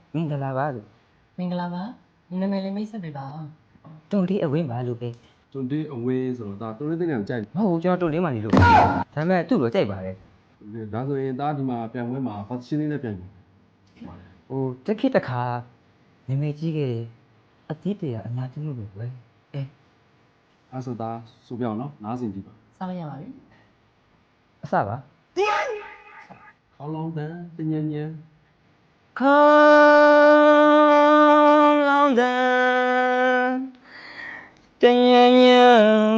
မင်္ဂလာပါလို့မင်္ဂလာပါနာမည်လေးမိတ်ဆက်ပေးပါဦးတွန်လေးအဝင်းပါလို့ပဲတွန်တေးအဝင်းဆိုတော့ဒါတွန်တေးတဲ့နေရာကြိုက်မဟုတ်ဘူးကျွန်တော်တွန်လေးမှနေလို့ဒါပေမဲ့သူ့လိုကြိုက်ပါတယ်ဒါဆိုရင်ဒါဒီမှာပြန်ပွဲမှာဘာရှင်းလေးနဲ့ပြန်ပြီဟိုတက်ခိတခါနေမေကြီးခဲ့တယ်အသီးတရအများကြီးလို့ပဲအဲအဲ့ဆိုဒါဆိုပြအောင်နော်နားစင်ကြည့်ပါစားလိုက်ရပါပြီအစပါခေါင်းလောင်းတန်းတညံညံခေါင်းလောင်းတဲ့တညံညံ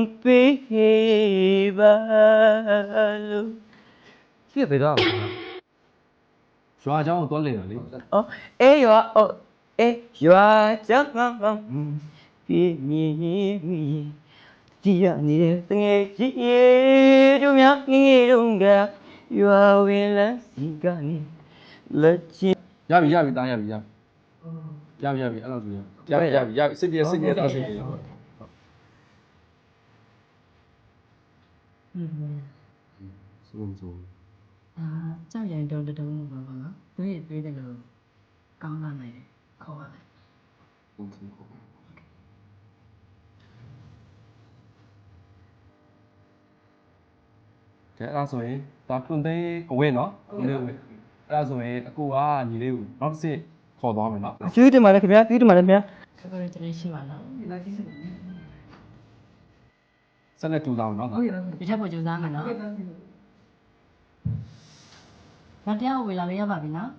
ပေးပါလို့ပြည့်ပြတော့ရွာเจ้าကိုသွားလည်တာလေအော်အေးရွာအော်အေးရွာကြောင့်ပြည့်မြည်ဒီရနေတဲ့တငယ်ကြီးတို့များငယ်တုန်းကရွာဝင်လန်းစီကနေလက်ချင်းရပြီတားရပြီအဲ့လိုဆိုရပြီစိတ်ပြတာစိတ်ပြ ဆိုကြောက်ရင်တုံတုံပါပါနော်တွေးတွေးတယ်လို့ကောင်းလာနိုင်တယ်ခေါ်ပါမယ်ကဲအဲ့ဒါဆိုရင်ဒါတွန်တေးအဝင်းနော်အဲ့ဒါဆိုရင်အကူကညီလေးကိုနောက်တစ်စစ်ခေါ်သွားမယ်နော်ကျွေးတယ်မှာလည်းခင်ဗျာကျွေးတယ်မှာလည်းခင်ဗျာခက်ခဲတဲ့ရှိပါလားဆက်လက်တူသားမယ်နော်ဟုတ်ရပါဒီထက်ပိုကြိုးစားမယ်နော်နောက်တရားကိုဝေလာလေးရပါပြီနော်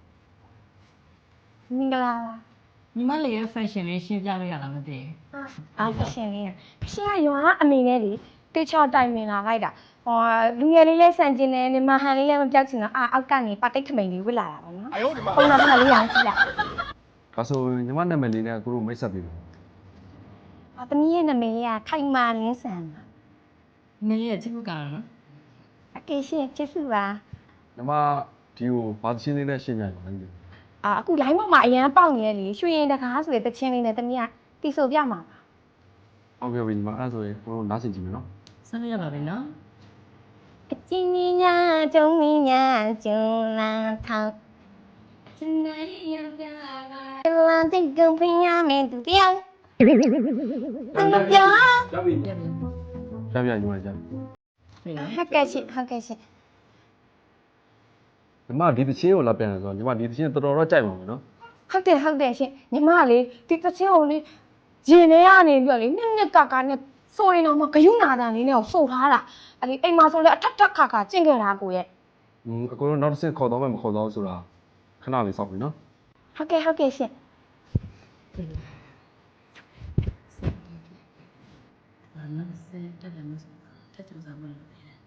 မင်္ဂလာပါညီမလေးရဲ့ fashion လေးရှင်းပြလို့ရလားမသိအားဖရှင်လေးဖရှင်ကရွာကအမေနဲ့လေတေချောတိုင်ပင်လာလိုက်တာဟောလူငယ်လေးလဲဆန်ကျင်တယ်နေမဟန်လေးလည်းမပြောက်ချင်တော့အောက်ကနေပါတိတ်ခမိန်လေးဝစ်လာတာပေါ့နော်ပုံနာဖက်လေးရောင်းကြည့်လိုက်ဒါဆိုညီမနာမည်လေးနဲ့ကိုတို့မိတ်ဆက်ပြီးပြီသမီးရဲ့နာမည်ကခိုင်မာလင်းဆန်ပါဘူးမင်းလေးရဲ့ချစ်ဖို့ကောင်းနော်အကေရှင်ချစ်စုပါညီမဒီကိုဘာရှင်းလေးနဲ့ရှင်းပြရအောင်လေအခု line ပေါ်မှာအရန်ပေါက်နေရလေရွှေရင်တကားဆိုတဲ့တချင်းလေးနဲ့သမီးကတီဆိုပြမှာပါဟုတ်ပြီညီမအဲ့ဆိုရင်ကိုတို့နားဆင်ကြည့်မယ်နော်ဆက်လို့ရပါပြီနော်အချင်းကြီးညာကျုံကြီးညာကျုံလာထောက်စနေရပြလာတဲ့ကံပညာမင်းတူတရားတမပြကြပြီပြပြီညီမကြပြီပြီနော်ဟုတ်ကဲ့ရှင်ဟုတ်ကဲ့ရှင်ညီမဒီတချင်းကိုလာပြန်တယ်ဆိုတော့ညီမဒီတချင်းတော်တော်ကြိုက်ပါမယ်နော်ဟုတ်တယ်ရှင်ညီမလေးဒီတချင်းကိုလေရင်ထဲကနေပြီးတော့လေနှစ်ကနဲ့ဆိုရင်တော့မဂယုနာတန်လေးနဲ့ကိုစုပ်ထားတာအဲ့ဒီအိမ်မှာဆိုလေအထက်ခါကျင့်ခဲ့တာကိုရဲ့အကိုတို့နောက်တစ်ဆင့်ခေါ်တော့မယ်မခေါ်တော့ဆိုတာခဏလေးစောင့်ပြီနော်ဟုတ်ကဲ့ရှင်ဘာလို့လဲတက်တယ်မစတက်ကြစားမလို့တယ်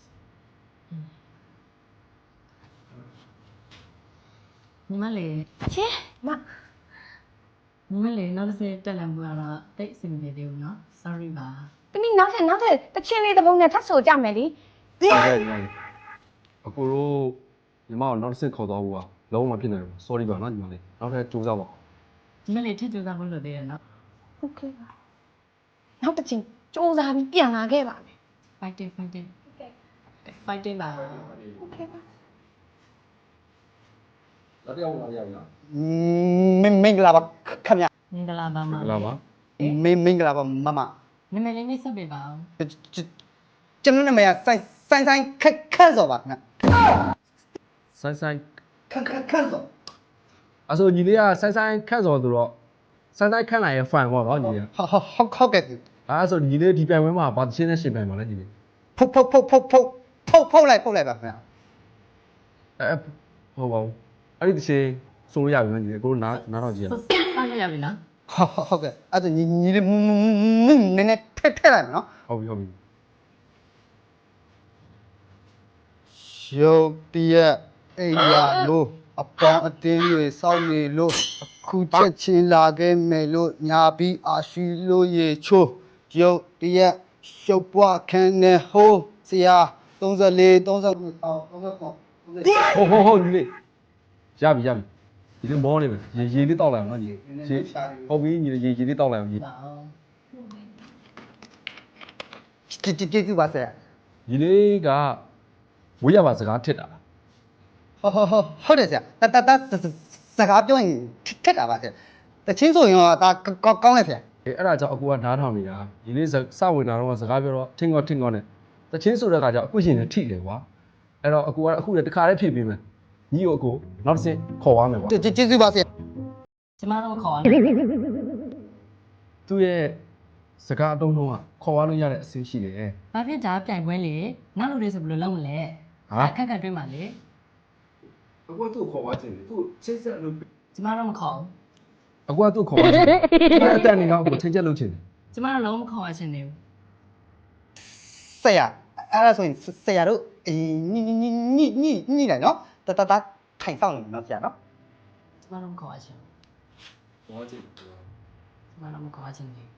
ညီမလေးရှင်မညီမလေးနောက်တစ်ဆင့်တက်လာမှုကတော့တိတ်အဆင်မပြေသေးဘူးနော် sorry ပါတမီးနောက်ထပ်တချင်းလေးတစ်ပုံနဲ့ထပ်ဆိုကြမယ်လေဟုတ်ကဲ့ညီမလေးအကိုတို့ညီမကိုနောက်တစ်ဆင့်ခေါ်တော့ဘူးကလုံးဝမဖြစ်နိုင်ဘူး sorry ပါနော်ညီမလေးနောက်ထပ်ကြိုးစားပါညီမလေးထက်ကြစားမလို့သေးတယ်နော်ဟုတ်ကဲ့ပါနောက်တစ်ချင်းစူးစမ်းပြီးပြန်လာခဲ့ပါမယ် fighting ပါဟုတ်ကဲ့ပါလက်ပြောင်းလာရပြီလားမင်္ဂလာပါခင်ဗျာမင်္ဂလာပါမဟုတ်လားပါမင်္ဂလာပါမမနာမည်လေးနဲ့ဆက်ပေးပါဦးကျွန်တော်နာမည်ကဆိုင်ခက်စောပါခင်ဗျာဆိုင်ဆိုင်ခက်စောအဲ့ဆိုညီလေးကဆိုင်ဆိုင်ခန့်စော်သူတော့ဆိုင်ဆိုင်ခန့်လာရဲ့ fan ပေါ့နော်ညီလေးဟုတ်ကဲ့အဲ့ဆိုညီလေးဒီပြိုင်ပွဲမှာဘာတစ်ချင်းနဲ့ရှင်ပြိုင်ပါလဲညီလေးဖုတ်လိုက်ပါခင်ဗျာဟုတ်ပါဘူးအဲ့ဒီတစ်ချင်းဆိုလို့ရပြီနော်ညီလေးကိုတို့နားတော့ကြည့်ရဆက်လို့ရပြီနော်ဟုတ်ကဲ့အဲ့ဒါညီလေးနည်းနည်းထည့်လိုက်မယ်နော်ဟုတ်ပြီရုပ်တရက်အိယာလို့အပေါင်းအတင်းတွေစောင့်နေလို့အခုချက်ချင်းလာခဲ့မယ်လို့ညာပြီးအာရှိလို့ရေချိုးရုပ်တရက်ရှုပ်ပွားခန်းနဲ့ဟိုးဆရာ34 39အော်39 ဟုတ်ညီလေးရပြီညီလေးမောနေမယ်ရေလေးတောက်လိုက်အောင်နော်ညီရေဟုတ်ပြီညီလေးရေလေးတောက်လိုက်အောင်ညီပါအောင်ကျေးဇူးပါဆရာညီလေးကဝေးရပါစကားထစ်တာလားဟုတ်တယ်ဆရာတစကားပြောရင်ထက်တာပါဆရာတချင်းဆိုရင်တော့ဒါကောင်းလိုက်ဆရာအဲ့ဒါကြောင့်အကူကနားထောင်နေတာဒီနေ့စဝင်တာတော့စကားပြောတော့ထင်ကောနဲ့တချင်းဆိုတဲ့ခါကျအကွရှင်နဲ့ထိတယ်ကွာအဲ့တော့အကူကအခုလည်းတခါလေးဖြည့်ပေးမယ်ညီကိုအကူနောက်တစ်ဆင့်ခေါ်သွားမယ်ကွာကျေးဇူးပါဆရာကျမတို့ခေါ်ရသူ့ရဲ့စကားအတုံးလုံးကခေါ်သွားလို့ရတဲ့အဆင့်ရှိတယ်ဘာဖြစ်ဒါပြိုင်ပွဲလေနောက်လူတွေဆိုဘယ်လိုလုပ်မလဲဟာအခက်တွင်းပါလေအကူကသူ့ခေါ်သွားခြင်းလေသူ့ချင်းဆက်လို့ကျမတို့မခေါ်ဘူးအကူကသူ့ခေါ်သွားခြင်းအဲ့အတက်နေတော့အကူချင်းချက်လုပ်ခြင်းကျမတို့လုံးမခေါ်ရချင်နေဘူးဆရာအဲ့ဒါဆိုရင်ဆရာတို့ညိလိုက်နော်တထိုင်ဆောင်နေနော်ဆရာနော်ကျမတို့မခေါ်ရချင်ဘူးခေါ်ခြင်းကျမတို့မခေါ်ရချင်နေဘူး